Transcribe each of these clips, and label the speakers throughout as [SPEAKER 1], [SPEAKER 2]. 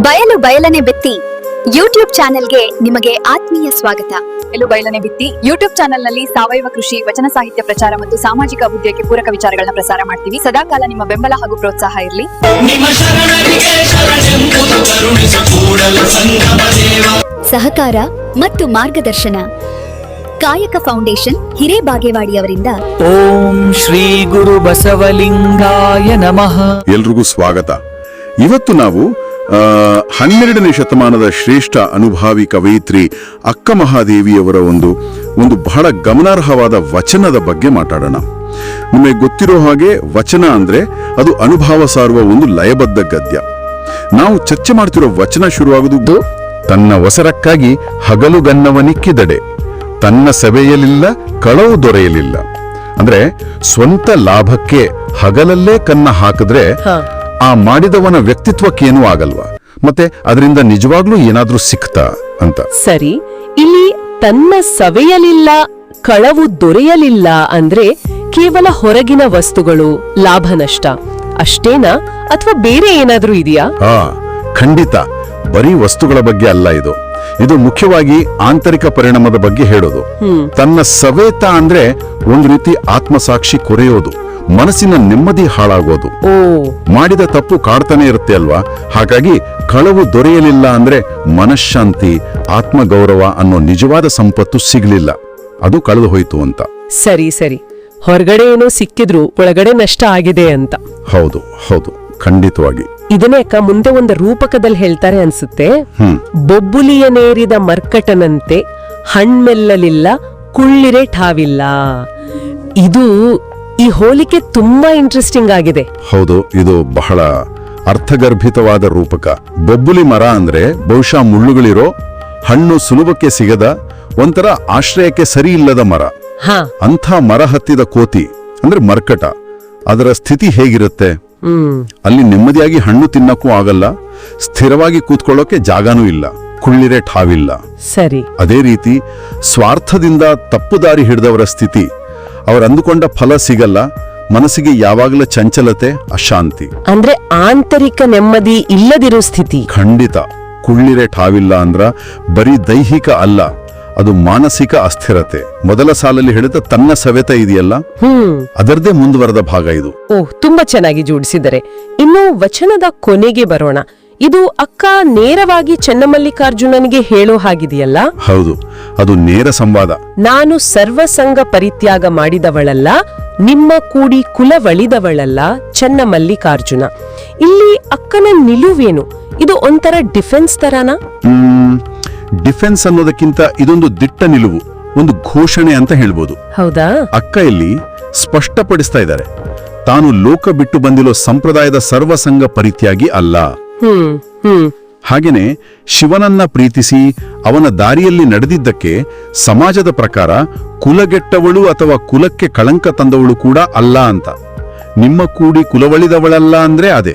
[SPEAKER 1] ಬಯಲು ಬಯಲನೆ ಬಿತ್ತಿ ಯೂಟ್ಯೂಬ್ ಚಾನೆಲ್ಗೆ ನಿಮಗೆ ಆತ್ಮೀಯ ಸ್ವಾಗತ.
[SPEAKER 2] ಬಯಲು ಬಯಲನೆ ಬಿತ್ತಿ ಯೂಟ್ಯೂಬ್ ಚಾನೆಲ್ನಲ್ಲಿ ಸಾವಯವ ಕೃಷಿ, ವಚನ ಸಾಹಿತ್ಯ ಪ್ರಚಾರ ಮತ್ತು ಸಾಮಾಜಿಕ ಅಭಿವೃದ್ಧಿಗೆ ಪೂರಕ ವಿಚಾರಗಳನ್ನ ಪ್ರಸಾರ ಮಾಡ್ತೀವಿ. ಸದಾಕಾಲ ನಿಮ್ಮ ಬೆಂಬಲ ಹಾಗೂ ಪ್ರೋತ್ಸಾಹ ಇರಲಿ.
[SPEAKER 1] ಸಹಕಾರ ಮತ್ತು ಮಾರ್ಗದರ್ಶನ ಕಾಯಕ ಫೌಂಡೇಶನ್ ಹಿರೇಬಾಗೇವಾಡಿಯವರಿಂದ.
[SPEAKER 3] ಓಂ ಶ್ರೀ ಗುರು ಬಸವಲಿಂಗಾಯ ನಮಃ.
[SPEAKER 4] ಎಲ್ರಿಗೂ ಸ್ವಾಗತ. ಇವತ್ತು ನಾವು 12ನೇ ಶತಮಾನದ ಶ್ರೇಷ್ಠ ಅನುಭಾವಿ ಕವಯಿತ್ರಿ ಅಕ್ಕ ಮಹಾದೇವಿಯವರ ಒಂದು ಬಹಳ ಗಮನಾರ್ಹವಾದ ವಚನದ ಬಗ್ಗೆ ಮಾತಾಡೋಣ. ನಿಮಗೆ ಗೊತ್ತಿರೋ ಹಾಗೆ ವಚನ ಅಂದ್ರೆ ಅದು ಅನುಭವ ಸಾರುವ ಒಂದು ಲಯಬದ್ಧ ಗದ್ಯ. ನಾವು ಚರ್ಚೆ ಮಾಡ್ತಿರೋ ವಚನ ಶುರುವಾಗುವುದು, ತನ್ನ ಒಸರಕ್ಕಾಗಿ ಹಗಲುಗನ್ನವನಿಕ್ಕಿದಡೆ, ತನ್ನ ಸಭೆಯಲಿಲ್ಲ ಕಳವು ದೊರೆಯಲಿಲ್ಲ. ಅಂದ್ರೆ ಸ್ವಂತ ಲಾಭಕ್ಕೆ ಹಗಲಲ್ಲೇ ಕನ್ನ ಹಾಕಿದ್ರೆ ಆ ಮಾಡಿದವನ ವ್ಯಕ್ತಿತ್ವಕ್ಕೇನೂ ಆಗಲ್ವಾ, ಮತ್ತೆ ಅದರಿಂದ ನಿಜವಾಗ್ಲೂ ಏನಾದ್ರೂ ಸಿಕ್ತಾ ಅಂತ.
[SPEAKER 5] ಸರಿ, ಇಲ್ಲಿ ತನ್ನ ಸವೆಯಲಿಲ್ಲ ಕಳವು ದೊರೆಯಲಿಲ್ಲ ಅಂದ್ರೆ ಕೇವಲ ಹೊರಗಿನ ವಸ್ತುಗಳು, ಲಾಭ ನಷ್ಟ ಅಷ್ಟೇನಾ ಅಥವಾ ಬೇರೆ ಏನಾದ್ರೂ ಇದೆಯಾ?
[SPEAKER 4] ಖಂಡಿತ ಬರೀ ವಸ್ತುಗಳ ಬಗ್ಗೆ ಅಲ್ಲ ಇದು ಮುಖ್ಯವಾಗಿ ಆಂತರಿಕ ಪರಿಣಾಮದ ಬಗ್ಗೆ ಹೇಳೋದು. ತನ್ನ ಸವೇತ ಅಂದ್ರೆ ಒಂದು ರೀತಿ ಆತ್ಮಸಾಕ್ಷಿ ಕೊರೆಯೋದು, ಮನಸ್ಸಿನ ನೆಮ್ಮದಿ ಹಾಳಾಗೋದು. ಮಾಡಿದ ತಪ್ಪು ಕಾಡ್ತಾನೆ ಇರುತ್ತೆ ಅಲ್ವಾ. ಹಾಗಾಗಿ ಕಳವು ದೊರೆಯಲಿಲ್ಲ ಅಂದ್ರೆ ಮನಃಶಾಂತಿ, ಆತ್ಮಗೌರವ ಅನ್ನೋ ನಿಜವಾದ ಸಂಪತ್ತು ಸಿಗ್ಲಿಲ್ಲ, ಅದು ಕಳೆದು ಹೋಯ್ತು ಅಂತ.
[SPEAKER 5] ಸರಿ ಸರಿ, ಹೊರಗಡೆ ಏನೋ ಸಿಕ್ಕಿದ್ರು ಒಳಗಡೆ ನಷ್ಟ ಆಗಿದೆ ಅಂತ.
[SPEAKER 4] ಹೌದು ಹೌದು, ಖಂಡಿತವಾಗಿ.
[SPEAKER 5] ಇದನ್ನೇಕ ಮುಂದೆ ಒಂದು ರೂಪಕದಲ್ಲಿ ಹೇಳ್ತಾರೆ ಅನ್ಸುತ್ತೆ. ಬೊಬ್ಬುಲಿಯ ನೇರಿದ ಮರ್ಕಟನಂತೆ ಹಣ್ಮೆಲ್ಲಲಿಲ್ಲ ಕುಳ್ಳಿರೆ ಠಾವಿಲ್ಲ. ಇದು ಈ ಹೋಲಿಕೆ ತುಂಬಾ ಇಂಟ್ರೆಸ್ಟಿಂಗ್ ಆಗಿದೆ.
[SPEAKER 4] ಹೌದು, ಇದು ಬಹಳ ಅರ್ಥಗರ್ಭಿತವಾದ ರೂಪಕ. ಬೊಬ್ಬುಲಿ ಮರ ಅಂದ್ರೆ ಬಹುಶಃ ಮುಳ್ಳುಗಳಿರೋ, ಹಣ್ಣು ಸುಲಭಕ್ಕೆ ಸಿಗದ, ಒಂಥರ ಆಶ್ರಯಕ್ಕೆ ಸರಿ ಇಲ್ಲದ ಮರ. ಅಂಥ ಮರ ಹತ್ತಿದ ಕೋತಿ ಅಂದ್ರೆ ಮರ್ಕಟ, ಅದರ ಸ್ಥಿತಿ ಹೇಗಿರುತ್ತೆ? ಅಲ್ಲಿ ನೆಮ್ಮದಿಯಾಗಿ ಹಣ್ಣು ತಿನ್ನಕ್ಕೂ ಆಗಲ್ಲ, ಸ್ಥಿರವಾಗಿ ಕೂತ್ಕೊಳ್ಳೋಕೆ ಜಾಗನೂ ಇಲ್ಲ, ಕುಳ್ಳಿರೆ ಠಾವಿಲ್ಲ.
[SPEAKER 5] ಸರಿ,
[SPEAKER 4] ಅದೇ ರೀತಿ ಸ್ವಾರ್ಥದಿಂದ ತಪ್ಪು ದಾರಿ ಹಿಡಿದವರ ಸ್ಥಿತಿ, ಅವರಂದುಕೊಂಡ ಫಲ ಸಿಗಲ್ಲ, ಮನಸ್ಸಿಗೆ ಯಾವಾಗಲೂ ಚಂಚಲತೆ, ಅಶಾಂತಿ,
[SPEAKER 5] ಅಂದ್ರೆ ಆಂತರಿಕ ನೆಮ್ಮದಿ ಇಲ್ಲದಿರೋ ಸ್ಥಿತಿ.
[SPEAKER 4] ಖಂಡಿತ. ಕುಳ್ಳಿರೆ ಠಾವಿಲ್ಲ ಅಂದ್ರ ಬರೀ ದೈಹಿಕ ಅಲ್ಲ, ಅದು ಮಾನಸಿಕ ಅಸ್ಥಿರತೆ. ಮೊದಲ ಸಾಲಲ್ಲಿ ಹೇಳಿದ ತನ್ನ ಸವೆತ ಇದೆಯಲ್ಲ, ಅದರದೇ ಮುಂದುವರೆದ ಭಾಗ ಇದು.
[SPEAKER 5] ತುಂಬಾ ಚೆನ್ನಾಗಿ ಜೋಡಿಸಿದರೆ. ಇನ್ನು ವಚನದ ಕೊನೆಗೆ ಬರೋಣ. ಇದು ಅಕ್ಕ ನೇರವಾಗಿ ಚೆನ್ನಮಲ್ಲಿಕಾರ್ಜುನನಿಗೆ ಹೇಳೋ ಹಾಗಿದೆಯಲ್ಲ?
[SPEAKER 4] ಹೌದು, ಅದು ನೇರ ಸಂವಾದ.
[SPEAKER 5] ನಾನು ಸರ್ವಸಂಗ ಪರಿತ್ಯಾಗ ಮಾಡಿದವಳಲ್ಲ, ನಿಮ್ಮ ಕೂಡಿ ಕುಲವಳಿದವಳಲ್ಲ ಚೆನ್ನಮಲ್ಲಿಕಾರ್ಜುನ. ಇಲ್ಲಿ ಅಕ್ಕನ ನಿಲುವೇನು? ಇದು ಒಂಥರ ಡಿಫೆನ್ಸ್ ತರಾನ?
[SPEAKER 4] ಡಿಫೆನ್ಸ್ ಅನ್ನೋದಕ್ಕಿಂತ ಇದೊಂದು ದಿಟ್ಟ ನಿಲುವು, ಒಂದು ಘೋಷಣೆ ಅಂತ ಹೇಳ್ಬೋದು.
[SPEAKER 5] ಹೌದಾ?
[SPEAKER 4] ಅಕ್ಕ ಇಲ್ಲಿ ಸ್ಪಷ್ಟಪಡಿಸ್ತಾ ಇದ್ದಾರೆ, ತಾನು ಲೋಕ ಬಿಟ್ಟು ಬಂದಿರೋ ಸಂಪ್ರದಾಯದ ಸರ್ವಸಂಗ ಪರಿತ್ಯಾಗಿ ಅಲ್ಲ. ಹಾಗೇನೆ ಶಿವನನ್ನ ಪ್ರೀತಿಸಿ ಅವನ ದಾರಿಯಲ್ಲಿ ನಡೆದಿದ್ದಕ್ಕೆ ಸಮಾಜದ ಪ್ರಕಾರ ಕುಲಗೆಟ್ಟವಳು ಅಥವಾ ಕುಲಕ್ಕೆ ಕಳಂಕ ತಂದವಳು ಕೂಡ ಅಲ್ಲ ಅಂತ. ನಿಮ್ಮ ಕೂಡಿ ಕುಲವಳಿದವಳಲ್ಲ ಅಂದ್ರೆ ಅದೇ.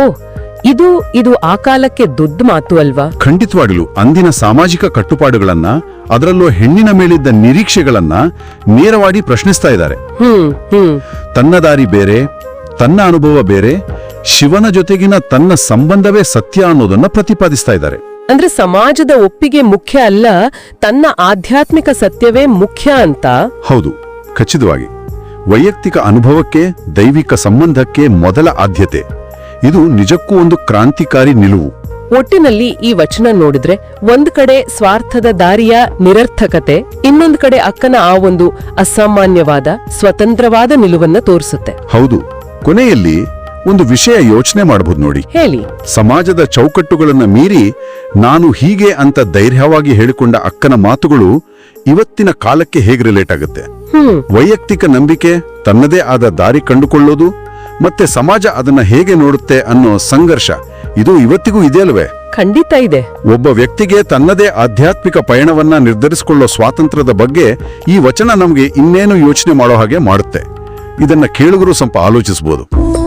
[SPEAKER 5] ಇದು ಆ ಕಾಲಕ್ಕೆ ದೊಡ್ಡ ಮಾತು ಅಲ್ವಾ?
[SPEAKER 4] ಖಂಡಿತವಾಗಲು ಅಂದಿನ ಸಾಮಾಜಿಕ ಕಟ್ಟುಪಾಡುಗಳನ್ನ, ಅದರಲ್ಲೂ ಹೆಣ್ಣಿನ ಮೇಲಿದ್ದ ನಿರೀಕ್ಷೆಗಳನ್ನ ನೇರವಾಗಿ ಪ್ರಶ್ನಿಸ್ತಾ ಇದ್ದಾರೆ. ತನ್ನ ದಾರಿ ಬೇರೆ, ತನ್ನ ಅನುಭವ ಬೇರೆ, ಶಿವನ ಜೊತೆಗಿನ ತನ್ನ ಸಂಬಂಧವೇ ಸತ್ಯ ಅನ್ನೋದನ್ನ ಪ್ರತಿಪಾದಿಸ್ತಾ ಇದ್ದಾರೆ.
[SPEAKER 5] ಅಂದ್ರೆ ಸಮಾಜದ ಒಪ್ಪಿಗೆ ಮುಖ್ಯ ಅಲ್ಲ, ತನ್ನ ಆಧ್ಯಾತ್ಮಿಕ ಸತ್ಯವೇ ಮುಖ್ಯ ಅಂತ.
[SPEAKER 4] ಹೌದು, ಖಚಿತವಾಗಿ. ವೈಯಕ್ತಿಕ ಅನುಭವಕ್ಕೆ, ದೈವಿಕ ಸಂಬಂಧಕ್ಕೆ ಮೊದಲ ಆದ್ಯತೆ. ಇದು ನಿಜಕ್ಕೂ ಒಂದು ಕ್ರಾಂತಿಕಾರಿ ನಿಲುವು.
[SPEAKER 5] ಒಟ್ಟಿನಲ್ಲಿ ಈ ವಚನ ನೋಡಿದ್ರೆ ಒಂದ್ ಕಡೆ ಸ್ವಾರ್ಥದ ದಾರಿಯ ನಿರರ್ಥಕತೆ, ಇನ್ನೊಂದು ಕಡೆ ಅಕ್ಕನ ಆ ಒಂದು ಅಸಾಮಾನ್ಯವಾದ ಸ್ವತಂತ್ರವಾದ ನಿಲುವನ್ನ ತೋರಿಸುತ್ತೆ.
[SPEAKER 4] ಹೌದು. ಕೊನೆಯಲ್ಲಿ ಒಂದು ವಿಷಯ ಯೋಚನೆ ಮಾಡಬಹುದು ನೋಡಿ.
[SPEAKER 5] ಹೇಳಿ.
[SPEAKER 4] ಸಮಾಜದ ಚೌಕಟ್ಟುಗಳನ್ನ ಮೀರಿ ನಾನು ಹೀಗೆ ಅಂತ ಧೈರ್ಯವಾಗಿ ಹೇಳಿಕೊಂಡ ಅಕ್ಕನ ಮಾತುಗಳು ಇವತ್ತಿನ ಕಾಲಕ್ಕೆ ಹೇಗೆ ರಿಲೇಟ್ ಆಗುತ್ತೆ? ವೈಯಕ್ತಿಕ ನಂಬಿಕೆ, ತನ್ನದೇ ಆದ ದಾರಿ ಕಂಡುಕೊಳ್ಳೋದು, ಮತ್ತೆ ಸಮಾಜ ಅದನ್ನ ಹೇಗೆ ನೋಡುತ್ತೆ ಅನ್ನೋ ಸಂಘರ್ಷ, ಇದು ಇವತ್ತಿಗೂ ಇದೆಯಲ್ವೇ?
[SPEAKER 5] ಖಂಡಿತ ಇದೆ.
[SPEAKER 4] ಒಬ್ಬ ವ್ಯಕ್ತಿಗೆ ತನ್ನದೇ ಆಧ್ಯಾತ್ಮಿಕ ಪಯಣವನ್ನ ನಿರ್ಧರಿಸಿಕೊಳ್ಳೋ ಸ್ವಾತಂತ್ರ್ಯದ ಬಗ್ಗೆ ಈ ವಚನ ನಮಗೆ ಇನ್ನೇನು ಯೋಚನೆ ಮಾಡೋ ಹಾಗೆ ಮಾಡುತ್ತೆ. ಇದನ್ನ ಕೇಳುಗರು ಸ್ವಲ್ಪ ಆಲೋಚಿಸಬಹುದು.